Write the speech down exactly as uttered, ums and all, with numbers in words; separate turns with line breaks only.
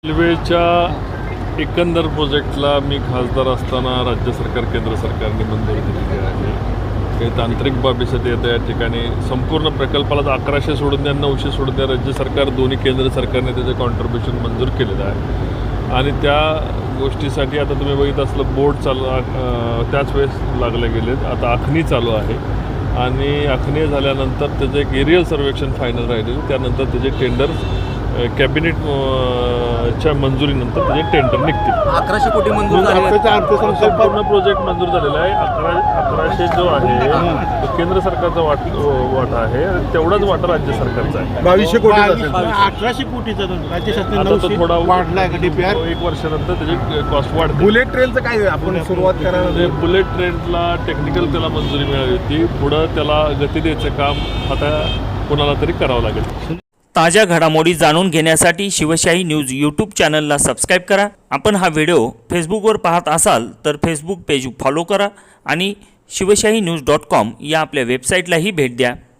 रेल्वेच्या एकंदर प्रोजेक्टला मी खासदार असताना राज्य सरकार केंद्र सरकारने मंजुरी दिलेली आहे. काही तांत्रिक बाबीसाठी येतं या ठिकाणी संपूर्ण प्रकल्पाला अकराशे सोडून द्या नऊशे सोडून द्या राज्य सरकार दोन्ही केंद्र सरकारने त्याचं कॉन्ट्रीब्युशन मंजूर केलेलं आहे आणि त्या गोष्टीसाठी आता तुम्ही बघित असलं बोर्ड चालू त्याच वेळेस लागले गेलेत. आता आखणी चालू आहे आणि आखणी झाल्यानंतर त्याचं एक एरियल सर्वेक्षण फायनल राहिलेलं त्यानंतर त्याचे टेंडर कॅबिनेट च्या मंजुरीनंतर त्याचे टेंडर निघतील.
अकराशे कोटी मंजूर झाले.
संपूर्ण प्रोजेक्ट मंजूर झालेला आहे. अकरा अकराशे जो आहे तो केंद्र सरकारचा वाट वाटा आहे आणि तेवढाच वाटा राज्य सरकारचा आहे.
बावीसशे कोटी अठराशे कोटीचा राज्य शासनाने
तो थोडा
वाढलाय का डीपीआर
एक वर्षानंतर त्याची कॉस्ट वाढते.
बुलेट ट्रेनचं काय आपण सुरुवात करायला
बुलेट ट्रेनला टेक्निकल त्याला मंजुरी मिळाली होती. पुढं त्याला गती द्यायचं काम आता कोणाला तरी करावं लागेल.
ताज्या घडामोडी जाणून घेण्यासाठी शिवशाही न्यूज यूट्यूब चॅनलला सबस्क्राईब करा. आपण हा व्हिडिओ फेसबुकवर पाहत असाल तर फेसबुक पेज फॉलो करा आणि शिवशाही न्यूज डॉट कॉम या आपल्या वेबसाईटलाही भेट द्या.